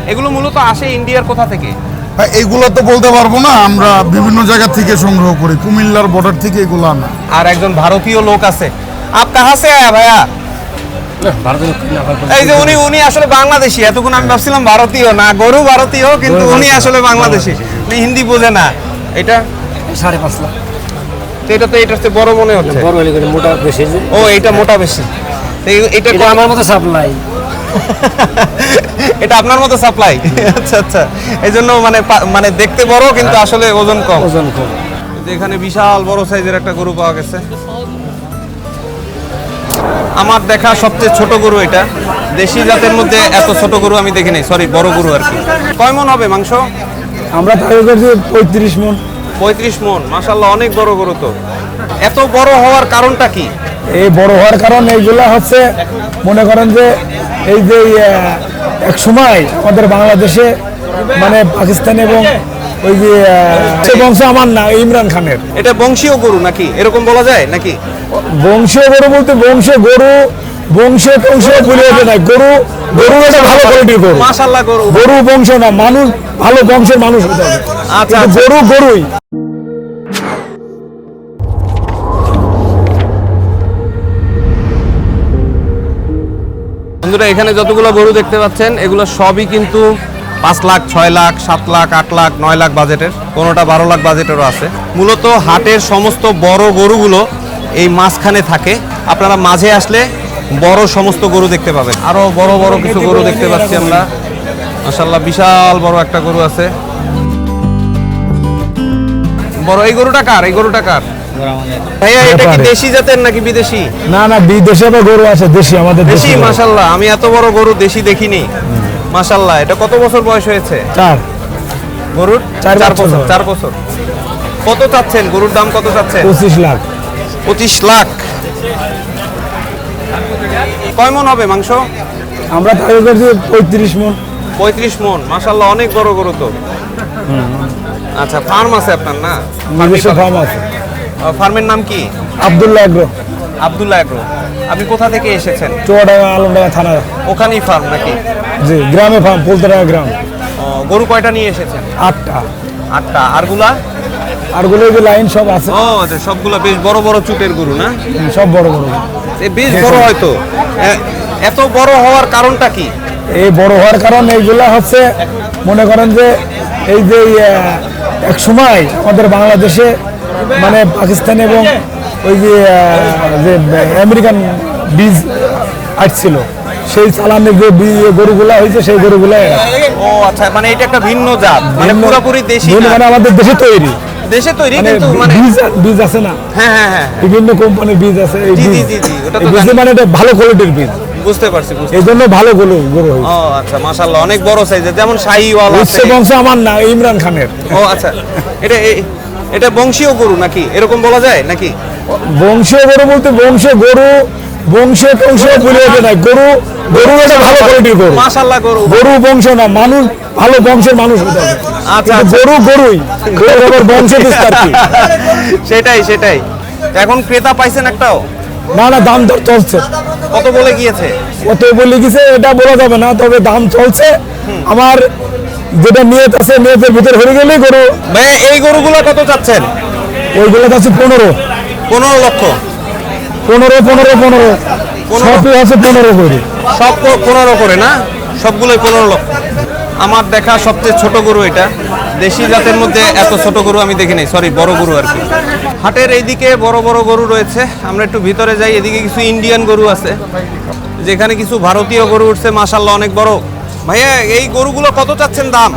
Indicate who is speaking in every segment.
Speaker 1: এগুলো মূলত আসে ইন্ডিয়ার কোথা থেকে?
Speaker 2: এইগুলো তো বলতে পারবো না, আমরা বিভিন্ন জায়গা থেকে সংগ্রহ করি, কুমিল্লার বর্ডার থেকে এগুলো আনা।
Speaker 1: আর একজন ভারতীয় লোক আছে। আপ কাহা সে আয়া ভাইয়া? এই যে উনি আসলে বাংলাদেশি। এতক্ষণ আমি ভাবছিলাম ভারতীয় না, গরু ভারতীয়, কিন্তু উনি আসলে বাংলাদেশি। হিন্দি বোঝে না। এটা
Speaker 3: 5.5 লাখ।
Speaker 1: এটা তো এটার চেয়ে বড় মনে হচ্ছে।
Speaker 3: বড় হলে করে মোটা বেশি।
Speaker 1: ও এটা মোটা বেশি। এটা
Speaker 3: আমার মতো সাপ্লাই।
Speaker 1: এটা আপনার মতো সাপ্লাই। আচ্ছা আচ্ছা, এই জন্য মানে দেখতে বড় কিন্তু আসলে ওজন কম।
Speaker 3: ওজন কম।
Speaker 1: এখানে বিশাল বড় সাইজের একটা গরু পাওয়া গেছে। আমার দেখা সবচেয়ে ছোট গরু এটা। দেশি জাতের মধ্যে এত ছোট গরু আমি দেখিনি, সরি বড় গরু আর কি। কয় মন হবে মাংস?
Speaker 3: আমরা তাই করছি 35 মন।
Speaker 1: 35 মন, মাশাআল্লাহ, অনেক বড় গরু তো। এত বড় হওয়ার কারণটা কি?
Speaker 3: এই বড় হওয়ার কারণ এইগুলা হচ্ছে, মনে করেন যে এই যে এক সময় আমাদের বাংলাদেশে মানে পাকিস্তান এবং ওই যে বংশ আমার না ইমরান খানের।
Speaker 1: এটা বংশীয় গরু নাকি, এরকম বলা যায় নাকি?
Speaker 3: বংশীয় গরু বলতে বংশীয় গরু, বংশীয় বলে না, গরু গরু একটা ভালো কোয়ালিটির গরু।
Speaker 1: মাশাআল্লাহ,
Speaker 3: গরু বংশ না, মানুষ ভালো বংশের মানুষ হতে হবে।
Speaker 1: আচ্ছা,
Speaker 3: গরু গরুই।
Speaker 1: বন্ধুরা, এখানে যতগুলো গরু দেখতে পাচ্ছেন এগুলো সবই কিন্তু 5 লাখ, 6 লাখ, 7 লাখ, 8 লাখ, 9 লাখ বাজেটের, কোনোটা 12 লাখ বাজেটেরও আছে। মূলত হাটের সমস্ত বড় গরুগুলো এই মাঝখানে থাকে। আপনারা মাঝে আসলে বড় সমস্ত গরু দেখতে পাবেন। আরো বড় বড় কিছু গরু দেখতে পাচ্ছি আমরা। মাশাআল্লাহ, বিশাল বড় একটা গরু আছে। বড় এই গরুটা কার? এই গরুটা কার ভাইয়া? এটা কি দেশি জাতের নাকি বিদেশি?
Speaker 3: না না, বিদেশে গরু আছে, দেশি আমাদের
Speaker 1: দেশি। মাশাআল্লাহ, আমি এত বড় গরু দেশি দেখিনি। মাশাআল্লাহ, এটা কত বছর বয়স হয়েছে
Speaker 3: 4
Speaker 1: গরুর?
Speaker 3: 4 বছর।
Speaker 1: 4 বছর। কত চাচ্ছেন? গরুর দাম কত চাচ্ছেন?
Speaker 3: 25 লাখ।
Speaker 1: 25 লাখ। কয় মন হবে মাংস?
Speaker 3: আমরা তাই করছি 35 মন।
Speaker 1: 35 মন, মাশাআল্লাহ, অনেক বড় গরু তো। আচ্ছা, ফার্ম আছে আপনার না?
Speaker 3: নিজস্ব ফার্ম আছে।
Speaker 1: ফার্মের নাম কি?
Speaker 3: আব্দুল্লাহ এগ্রো।
Speaker 1: আব্দুল্লাহ এগ্রো। আপনি কোথা থেকে এসেছেন?
Speaker 3: চুয়াডাঙ্গা আলমডাঙ্গা থানা।
Speaker 1: ওখানেই ফার্ম নাকি?
Speaker 3: জি, গ্রামে ফার্ম, পোলতরাঙ্গা গ্রাম।
Speaker 1: গরু কয়টা নিয়ে এসেছেন?
Speaker 3: 8টা।
Speaker 1: 8টা। আরগুলা?
Speaker 3: আরগুলো যে লাইন সব আছে।
Speaker 1: ও আচ্ছা, সবগুলো বেশ বড় বড় চুটের গরু না?
Speaker 3: সব বড় বড়।
Speaker 1: বেশ বড় হয়তো। এত বড় হওয়ার কারণটা কি?
Speaker 3: এই বড় হওয়ার কারণ এইগুলা হচ্ছে, মনে করেন যে এই যে এক সময় আমাদের বাংলাদেশে মানে পাকিস্তান এবং ওই যে আমেরিকান বীজ আসছিল, সেই চালানের যে গরুগুলা হয়েছে সেই গরুগুলা।
Speaker 1: ও আচ্ছা, মানে এটা একটা ভিন্ন জাত, মানে পুরোপুরি দেশি না?
Speaker 3: মানে আমাদের দেশে তৈরি,
Speaker 1: দেশে তৈরি, কিন্তু মানে
Speaker 3: বীজ আছে না?
Speaker 1: হ্যাঁ হ্যাঁ হ্যাঁ,
Speaker 3: বিভিন্ন কোম্পানির বীজ আছে। এই
Speaker 1: জি জি
Speaker 3: বীজ
Speaker 1: জি জি, ওটা তো
Speaker 3: বীজ মানে এটা ভালো কোয়ালিটির বীজ।
Speaker 1: বুঝতে পারছি।
Speaker 3: এই জন্য ভালো গরু হয়েছে।
Speaker 1: ও আচ্ছা, মাশাআল্লাহ, অনেক বড় সাইজের, যেমন শাহিওয়াল আছে।
Speaker 3: বংশ আমার না, ইমরান খানের।
Speaker 1: ও আচ্ছা, এটা বংশীয় গরু নাকি, এরকম বলা যায় নাকি?
Speaker 3: বংশীয় গরু বলতে বংশীয় গরু, বংশীয় বলে না, গরু গরু একটা ভালো কোয়ালিটির গরু।
Speaker 1: মাশাআল্লাহ,
Speaker 3: গরু বংশ না, মানুষ ভালো বংশের মানুষ হতে হবে।
Speaker 1: আচ্ছা,
Speaker 3: গরু গরুই, বংশ বিস্তার কি?
Speaker 1: সেটাই। এখন ক্রেতা পাইছেন একটাও?
Speaker 3: না না, দাম দর চলছে।
Speaker 1: কত বলে গিয়েছে?
Speaker 3: কত বলে গেছে এটা বলা যাবে না, তবে দাম চলছে। আমার যেটা নিয়ত আছে, নিয়তের ভিতরে হয়ে গেলেই গরু।
Speaker 1: ভাই, এই গরুগুলো কত চাচ্ছেন?
Speaker 3: ওইগুলো আছে
Speaker 1: 15 লক্ষ।
Speaker 3: 15 সবই আছে 15 করে।
Speaker 1: সব 15 করে না? সবগুলোই 15 লক্ষ। আমার দেখা সবচেয়ে ছোট গরু এটা। দেশি জাতের মধ্যে এত ছোট গরু আমি দেখিনি, সরি বড় গরু আর কি। হাটের এইদিকে বড় বড় গরু রয়েছে, আমরা একটু ভিতরে যাই। এদিকে কিছু ইন্ডিয়ান গরু আছে, যেখানে কিছু ভারতীয় গরু উঠছে, মাশাআল্লাহ, অনেক বড়। ভাইয়া, এই গরুগুলো কত চাচ্ছেন দাম?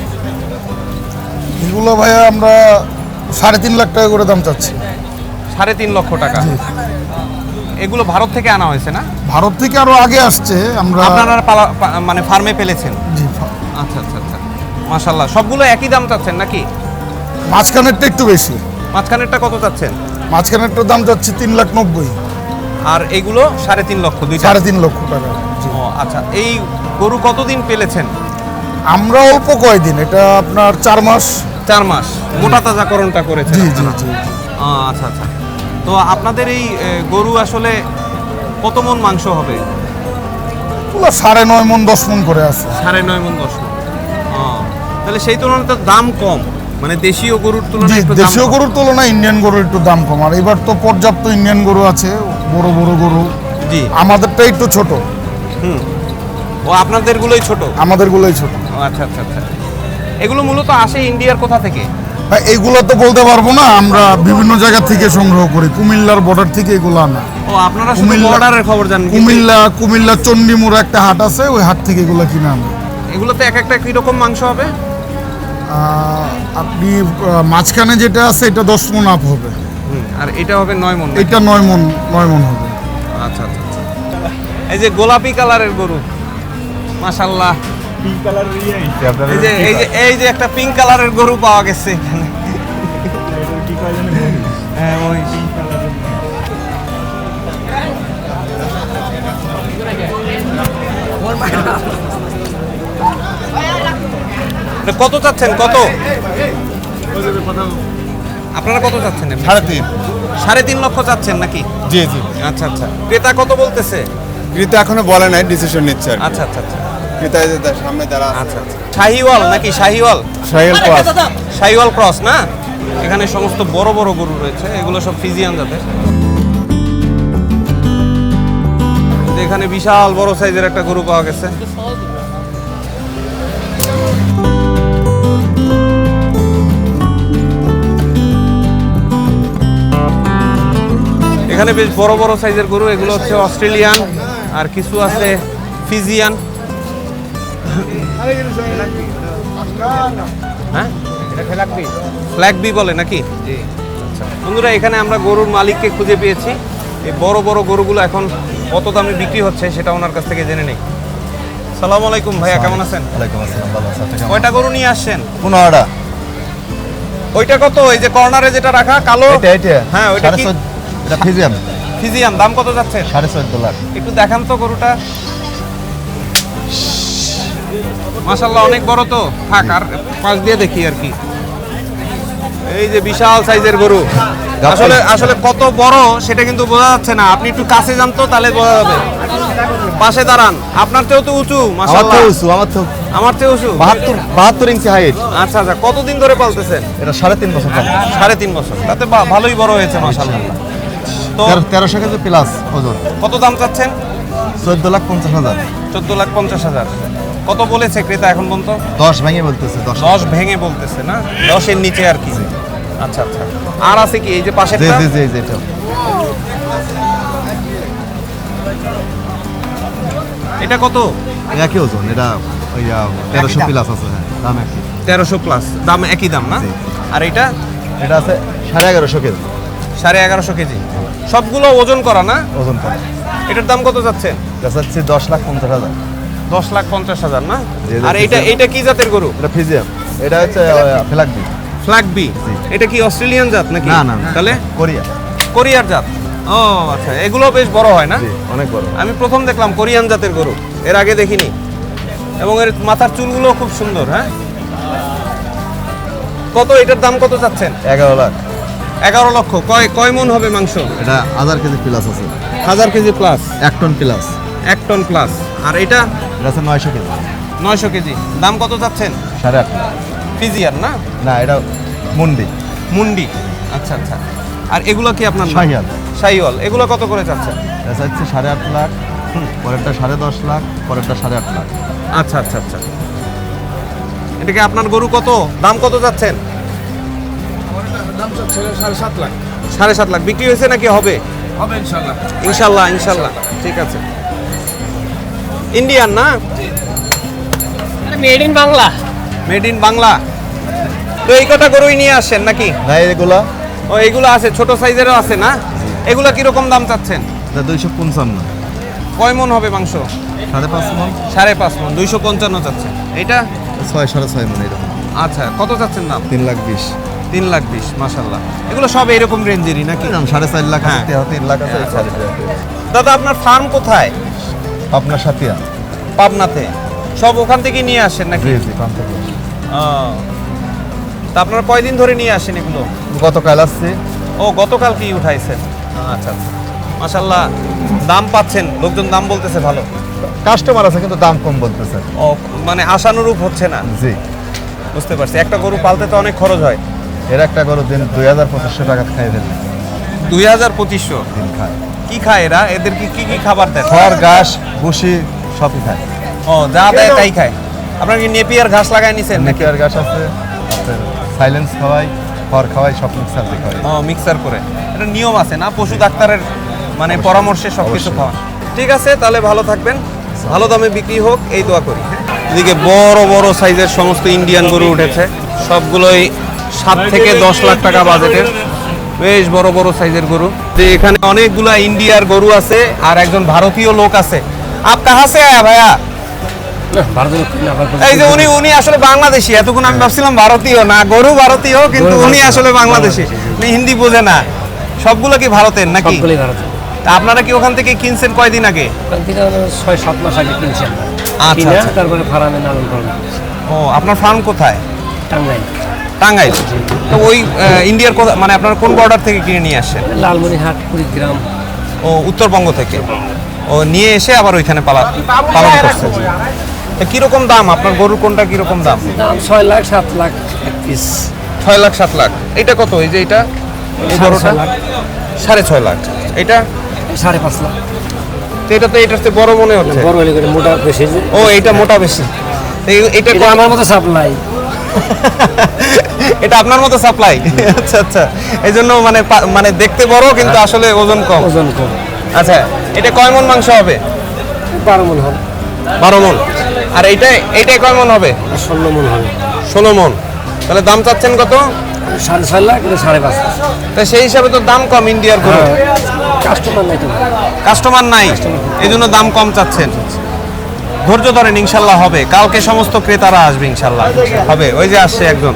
Speaker 2: এগুলো ভাইয়া আমরা 3.5 লাখ টাকা করে দাম চাচ্ছি।
Speaker 1: 3.5 লক্ষ টাকা। এগুলো ভারত থেকে আনা হয়েছে না?
Speaker 2: ভারত থেকে আরো আগে আসছে।
Speaker 1: আপনারা মানে ফার্মে পেলেছেন?
Speaker 2: জি।
Speaker 1: আচ্ছা, মাশাআল্লাহ, সবগুলো একই দাম চাচ্ছেন নাকি?
Speaker 2: মাঝখানেরটা একটু বেশি।
Speaker 1: মাঝখানেরটা কত চাচ্ছেন?
Speaker 2: মাঝখানেরটার দাম যাচ্ছে 3,90,000।
Speaker 1: আর এইগুলো 3.5 লক্ষ,
Speaker 2: 3.5 লক্ষ টাকা।
Speaker 1: ও আচ্ছা, এই গরু কতদিন পেলেছেন?
Speaker 2: আমরা অল্প কয়দিন, এটা আপনার 4 মাস।
Speaker 1: 4 মাস। মোটা তাজাকরণটা করেছেন?
Speaker 2: জি।
Speaker 1: আচ্ছা। তো আপনাদের এই গরু আসলে কত মন মাংস হবে?
Speaker 2: 9.5 মন 10 মন করে আছে।
Speaker 1: 9.5 মন 10 মন। তাহলে সেই তুলনায় তো দাম কম, মানে দেশীয় গরুর
Speaker 2: জি,
Speaker 1: তুলনায় একটু দাম
Speaker 2: দেশীয়
Speaker 1: কম।
Speaker 2: গরুর তুলনায় ইন্ডিয়ান গরুর একটু দাম কম। আর এবার তো পর্যাপ্ত ইন্ডিয়ান গরু আছে, বড় বড় গরু।
Speaker 1: জি।
Speaker 2: আমাদেরটা একটু ছোট,
Speaker 1: ও আপনাদেরগুলোই ছোট।
Speaker 2: আমাদেরগুলোই ছোট।
Speaker 1: ও আচ্ছা আচ্ছা আচ্ছা। এগুলো মূলত আসে ইন্ডিয়ার কোথা থেকে?
Speaker 2: এইগুলো তো বলতে পারবো না, আমরা বিভিন্ন জায়গা থেকে সংগ্রহ করি, কুমিল্লার বর্ডার থেকে এগুলো আনা।
Speaker 1: ও আপনারা শুধু বর্ডারের খবর জানেন, কিন্তু
Speaker 2: কুমিল্লা চণ্ডীমুড়া একটা হাট আছে, ওই হাট থেকে এগুলো কিনে আনা।
Speaker 1: এগুলোতে এক একটা কিরকম মাংস হবে?
Speaker 2: আপনি মাঝখানে যেটা আছে এটা 10 মণ আপ হবে,
Speaker 1: আর এটা হবে 9 মণ।
Speaker 2: এটা 9 মণ হবে।
Speaker 1: আচ্ছা আচ্ছা আচ্ছা। এই যে গোলাপি কালারের গরু, মাশাআল্লাহ। এই যে একটা পিঙ্ক কালারের গরু পাওয়া গেছে এখানে। হ্যাঁ, ওই এটা কত চাচ্ছেন? কত আপনারা কত চাচ্ছেন?
Speaker 4: 3.5।
Speaker 1: 3.5 লক্ষ চাচ্ছেন নাকি?
Speaker 4: জি জি।
Speaker 1: আচ্ছা আচ্ছা। ক্রেতা কত বলতেছে?
Speaker 4: ক্রেতা এখনো বলে নাই, ডিসিশন নিচ্ছে আর কি।
Speaker 1: আচ্ছা আচ্ছা আচ্ছা
Speaker 4: ক্রেতা এই যে তার সামনে যারা আছে।
Speaker 1: আচ্ছা আচ্ছা। শাহিওয়াল নাকি? শাহিওয়াল,
Speaker 4: সাহেল ক্রস।
Speaker 1: শাহিওয়াল ক্রস না? এখানে সমস্ত বড় বড় গরু রয়েছে, এগুলো সব ফিজিয়ান জাতের। এখানে বিশাল বড় সাইজের একটা গরু পাওয়া গেছে। এখানে বেশ বড় বড় সাইজের গরু, এগুলো হচ্ছে অস্ট্রেলিয়ান, আর কিছু আছে ফিজিয়ান। হ্যাঁ, ফ্ল্যাগ বি বলে নাকি? আচ্ছা বন্ধুরা, এখানে আমরা গরুর মালিককে খুঁজে পেয়েছি। এই বড় বড় গরুগুলো এখন কত দামে বিক্রি হচ্ছে সেটা ওনার কাছ থেকে জেনে নেই। সালাম আলাইকুম ভাইয়া, কেমন আছেন?
Speaker 5: ওয়ালাইকুম আসসালাম, ভালো আছি। আপনি কেমন?
Speaker 1: কয়টা গরু নিয়ে আসছেন?
Speaker 5: 15টা।
Speaker 1: ওইটা কত? এই যে কর্নারে যেটা রাখা কালো?
Speaker 5: এটা
Speaker 1: হ্যাঁ, ওইটা কি?
Speaker 5: 14.5, এটা ফিজিয়াম।
Speaker 1: ফিজিয়ান। দাম কত যাচ্ছেন?
Speaker 5: 14.5 লাখ।
Speaker 1: একটু দেখান তো গরুটা। মাশাআল্লাহ, অনেক বড় তো। থাক, আর পাশ দিয়ে দেখি আর কি। এই যে বিশাল সাইজের গরু, আসলে আসলে কত বড় সেটা কিন্তু বোঝা যাচ্ছে না। আপনি একটু কাছে যান তো, তাহলে বোঝা যাবে। পাশে দাঁড়ান। আপনার চেয়েও তো উঁচু,
Speaker 5: আমার
Speaker 1: মাশাআল্লাহ।
Speaker 5: তো উঁচু, আমার তো
Speaker 1: আমার চেয়ে উঁচু।
Speaker 5: 72 ইঞ্চি হাইট।
Speaker 1: আচ্ছা আচ্ছা। কতদিন ধরে পালতেছেন?
Speaker 5: এটা 3.5 বছর পাবো।
Speaker 1: 3.5 বছর। তাতে ভালোই বড় হয়েছে মাশাআল্লাহ। তো
Speaker 5: 1300 কেজি প্লাস ওজন।
Speaker 1: কত দাম চাচ্ছেন?
Speaker 5: 14,50,000।
Speaker 1: 14,50,000। কত বলেছে ক্রেতা এখন পর্যন্ত?
Speaker 5: 10 ভেঙে বলতেছে, 10।
Speaker 1: 10 ভেঙে বলতেছে না, 10-এর নিচে আর কি। আচ্ছা আচ্ছা। আর আছে কি এই যে
Speaker 5: জি
Speaker 1: পাশেরটা?
Speaker 5: জি জি জি, এটা
Speaker 1: এটা কত?
Speaker 5: একই ওজন। এটা ওই 1300 প্লাস আছে। হ্যাঁ, দাম একই।
Speaker 1: 1300 প্লাস, দাম একই দাম না?
Speaker 5: জি। আর
Speaker 1: আর এটা
Speaker 5: এটা আছে 1150 কেজি
Speaker 1: 1150 কেজি। সবগুলো ওজন করা না?
Speaker 5: ওজন কম।
Speaker 1: এটার দাম কত যাচ্ছেন?
Speaker 5: এটা হচ্ছে 10,50,000।
Speaker 1: 10,50,000 না?
Speaker 5: জি, জি,
Speaker 1: আর
Speaker 5: জি, জি।
Speaker 1: এইটা কি জাতের গরু?
Speaker 5: এটা ফিজিয়াম। এটা হচ্ছে ফ্ল্যাগ বি।
Speaker 1: Flag B.
Speaker 5: জি।
Speaker 1: এটা কি অস্ট্রেলিয়ান জাত নাকি?
Speaker 5: না না না।
Speaker 1: তাহলে
Speaker 5: কোরিয়া।
Speaker 1: কোরিয়ার জাত। ও আচ্ছা, এগুলো বেশ বড় হয় না?
Speaker 5: জি, অনেক বড়।
Speaker 1: আমি প্রথম দেখলাম কোরিয়ান জাতের গরু, এর আগে দেখিনি। এবং এর মাথার চুলগুলো খুব সুন্দর। হ্যাঁ, কত এটার দাম কত চাচ্ছেন?
Speaker 5: 11 লাখ।
Speaker 1: 11 লক্ষ। কয় মন হবে মাংস?
Speaker 5: এটা 1000 কেজি প্লাস আছে।
Speaker 1: 1000 kg plus,
Speaker 5: 1 ton plus.
Speaker 1: 1 ton plus. আর এটা
Speaker 5: এটা আছে 900 কেজি।
Speaker 1: 900 কেজি। দাম কত চাচ্ছেন?
Speaker 5: 8.5 লাখ।
Speaker 1: ফিজিয়ার না?
Speaker 5: না, এটা মুন্ডি।
Speaker 1: মুন্ডি। আচ্ছা আচ্ছা। আর এগুলো কি আপনার?
Speaker 5: শাহিয়াল।
Speaker 1: শাহিওয়াল। এগুলো কত করে চাচ্ছেন?
Speaker 5: এটা হচ্ছে 8.5 লাখ, পরেরটা 10.5 লাখ, পরেরটা 8.5 লাখ।
Speaker 1: আচ্ছা আচ্ছা আচ্ছা। এটাকে আপনার গরু কত? দাম কত যাচ্ছেন? 7.5 লাখ। বিক্রি হয়েছে নাকি হবে? ইনশাল্লাহ ইনশাল্লাহ। ঠিক আছে। ইন্ডিয়ান না?
Speaker 6: Made in Bangla.
Speaker 1: Made in Bangla. তো এই কটা গরুই নিয়ে আসছেন নাকি?
Speaker 5: না, এগুলা
Speaker 1: ও এগুলো আছে, ছোট সাইজেরও আছে না? এগুলো কিরকম দাম চাচ্ছেন?
Speaker 5: এটা 255।
Speaker 1: কয় মন হবে মাংস?
Speaker 5: 5.5 মন।
Speaker 1: 5.5 মন। 255 চাচ্ছেন। এটা
Speaker 5: 6, 6.5 মন এরকম।
Speaker 1: আচ্ছা, কত চাচ্ছেন দাম?
Speaker 5: 3,20,000।
Speaker 1: 3,20,000। মাশাল্লাহ। এগুলো সব এরকম রেঞ্জেরই নাকি?
Speaker 5: এরকম 4.5 লাখ আছে,
Speaker 1: হ্যাঁ।
Speaker 5: 3 লাখ আছে।
Speaker 1: আচ্ছা, দাদা আপনার ফার্ম কোথায়?
Speaker 5: আপনার সাথিয়া।
Speaker 1: পাবনাতে। সব ওখান থেকে নিয়ে আসেন নাকি?
Speaker 5: জি জি, পান থেকে।
Speaker 1: ও, তা আপনারা কয়দিন ধরে নিয়ে আসেন এগুলো?
Speaker 5: গতকাল আসছে।
Speaker 1: ও, গতকাল কি উঠাইছেন? আচ্ছা আচ্ছা। মাশাল্লাহ, দাম পাচ্ছেন? লোকজন দাম বলতেছে ভালো?
Speaker 5: কাস্টমার আছে কিন্তু দাম কম বলতেছে।
Speaker 1: ও, মানে আশানুরূপ হচ্ছে না।
Speaker 5: জি।
Speaker 1: বুঝতে পারছি, একটা গরু পালতে তো অনেক খরচ হয়।
Speaker 5: এর একটা গরু দিন 2,500 টাকা খাই ফেলবে।
Speaker 1: 2,2500
Speaker 5: দিন খায়
Speaker 1: কি খায় এরা? এদের কি কি খাবার দেয়?
Speaker 5: খড় ঘাস ভুসি সবই খায়।
Speaker 1: ও, যা দেয় তাই খায়। আপনার কি নেপিয়ার ঘাস লাগাই নিছেন নাকি?
Speaker 5: নেপিয়ার ঘাস আছে, সাইলেন্স খাওয়াই, খড় খাওয়াই, সব মিক্সার দিয়ে খাওয়াই।
Speaker 1: ও, মিক্সার করে। এটা নিয়ম আছে না, পশু ডাক্তারের মানে পরামর্শে সবকিছু
Speaker 5: অবশ্যই।
Speaker 1: খাওয়ান। ঠিক আছে, তাহলে ভালো থাকবেন, ভালো দামে বিক্রি হোক এই দোয়া করি। এদিকে বড় বড় সাইজের সমস্ত ইন্ডিয়ান গরু উঠেছে, সবগুলোই 7 থেকে 10 লাখ টাকা বাজেটের, বেশ বড় বড় সাইজের গরু। যে এখানে অনেকগুলা ইন্ডিয়ার গরু আছে আর একজন ভারতীয় লোক আছে। আপ কাহা সে আয়া ভাইয়া? এই যে উনি আসলে বাংলাদেশি, এতক্ষণ আমি ভাবছিলাম ভারতীয় না, গরু ভারতীয় কিন্তু উনি আসলে বাংলাদেশি, উনি হিন্দি বোঝে না। সবগুলো কি ভারতের নাকি? তা আপনারা কি ওখান থেকে কিনছেন কয়দিন আগে?
Speaker 6: 6-7 মাস আগে কিনছি আমরা।
Speaker 1: আচ্ছা
Speaker 6: কিনে
Speaker 1: আচ্ছা।
Speaker 6: তারপরে ফার্মে লালন পালন
Speaker 1: ও, আপনার ফার্ম কোথায়?
Speaker 6: টাঙ্গাইল,
Speaker 1: টাঙ্গাইল। তো ওই ইন্ডিয়ার মানে আপনার কোন বর্ডার থেকে কিনে নিয়ে আসেন?
Speaker 6: লালমনিরহাট, কুড়িগ্রাম।
Speaker 1: ও, উত্তরবঙ্গ থেকে। ও, নিয়ে এসে আবার ওইখানে পালন করছে। তো কিরকম দাম আপনার গরুর, কোনটা কিরকম দাম?
Speaker 6: দাম 6 লাখ 7 লাখ এক পিস।
Speaker 1: 6 লাখ 7 লাখ। এটা কত? এই যে এটা, এই বড়টা
Speaker 6: 6.5 লাখ।
Speaker 1: 6.5 লাখ। এটা
Speaker 6: 5.5 লাখ।
Speaker 1: তো এটা তো এটার চেয়ে বড় মনে হচ্ছে।
Speaker 6: বড় হলে করে মোটা বেশি যে।
Speaker 1: ও, এটা মোটা বেশি। তো এটা
Speaker 6: এটা আমার মতো সাপ্লাই।
Speaker 1: এটা আপনার মতো সাপ্লাই। আচ্ছা আচ্ছা, এই জন্য মানে মানে দেখতে বড় কিন্তু আসলে ওজন কম।
Speaker 6: ওজন কম।
Speaker 1: আচ্ছা, এটা কয় মণ মাংস হবে?
Speaker 6: 12 মণ হবে।
Speaker 1: 12 মণ। আর এইটাই কয় মণ হবে?
Speaker 6: 16 মণ হবে।
Speaker 1: 16 মণ। তাহলে দাম চাচ্ছেন কত?
Speaker 6: 6.5 লাখ, এটা 5.5 লাখ।
Speaker 1: তা সেই হিসাবে তো দাম কম ইন্ডিয়ার গরু।
Speaker 6: কাস্টমার নাই তো।
Speaker 1: কাস্টমার নাই, এই জন্য দাম কম চাচ্ছেন। ধৈর্য ধরেন, ইনশাল্লাহ হবে। কালকে সমস্ত ক্রেতারা আসবে, ইনশাল্লাহ হবে। ওই যে আসছে একজন।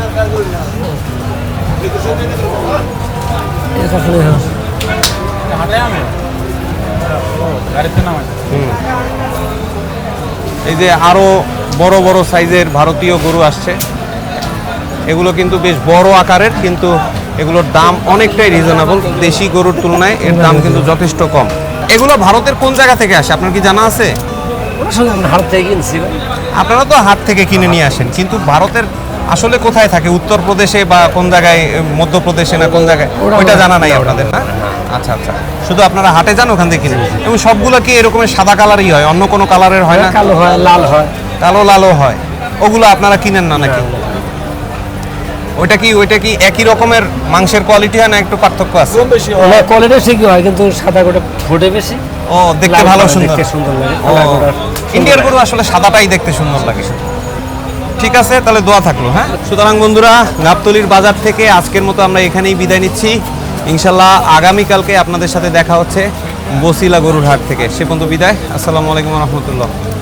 Speaker 1: এই যে আরো বড় বড় সাইজের ভারতীয় গরু আসছে, এগুলো কিন্তু বেশ বড় আকারের, কিন্তু এগুলোর দাম অনেকটাই রিজনেবল। দেশি গরুর তুলনায় এর দাম কিন্তু যথেষ্ট কম। এগুলো ভারতের কোন জায়গা থেকে আসে আপনার কি জানা আছে?
Speaker 6: ওরা সঙ্গে আমরা হাট থেকে কিনছি ভাই।
Speaker 1: আপনারা তো হাট থেকে কিনে নিয়ে আসেন, কিন্তু ভারতের আসলে কোথায় থাকে? উত্তরপ্রদেশে বা কোন জায়গায়, মধ্যপ্রদেশে না কোন জায়গায়, ওইটা জানা নাই আপনাদের না? আচ্ছা আচ্ছা, শুধু আপনারা হাটে যান, ওখান থেকে কিনে। এবং সবগুলো কি এরকমের সাদা কালারই হয়, অন্য কোনো কালারের হয় না?
Speaker 6: কালো হয়, লাল হয়।
Speaker 1: কালো লালও হয়। ওগুলো আপনারা কিনেন না নাকি? ওইটা কি একই রকমের মাংসের কোয়ালিটি হয় না একটু পার্থক্য আছে?
Speaker 6: কোয়ালিটি ঠিকই হয়, কিন্তু সাদা গোটা ফোটে বেশি।
Speaker 1: ও, দেখতে
Speaker 6: লাল
Speaker 1: ভালো
Speaker 6: গোটা
Speaker 1: সুন্দর।
Speaker 6: দেখতে সুন্দর লাগে।
Speaker 1: ও,
Speaker 6: কালো গোটা
Speaker 1: ইন্ডিয়ার গরু আসলে সাদাটাই দেখতে সুন্দর লাগে। ঠিক আছে, তাহলে দোয়া থাকলো। হ্যাঁ, সুতরাং বন্ধুরা, গাবতলীর বাজার থেকে আজকের মতো আমরা এখানেই বিদায় নিচ্ছি। ইনশাল্লাহ আগামীকালকে আপনাদের সাথে দেখা হচ্ছে বসিলা গরুর হাট থেকে। সে পর্যন্ত বিদায়। আসসালামু আলাইকুম রহমতুল্লাহ।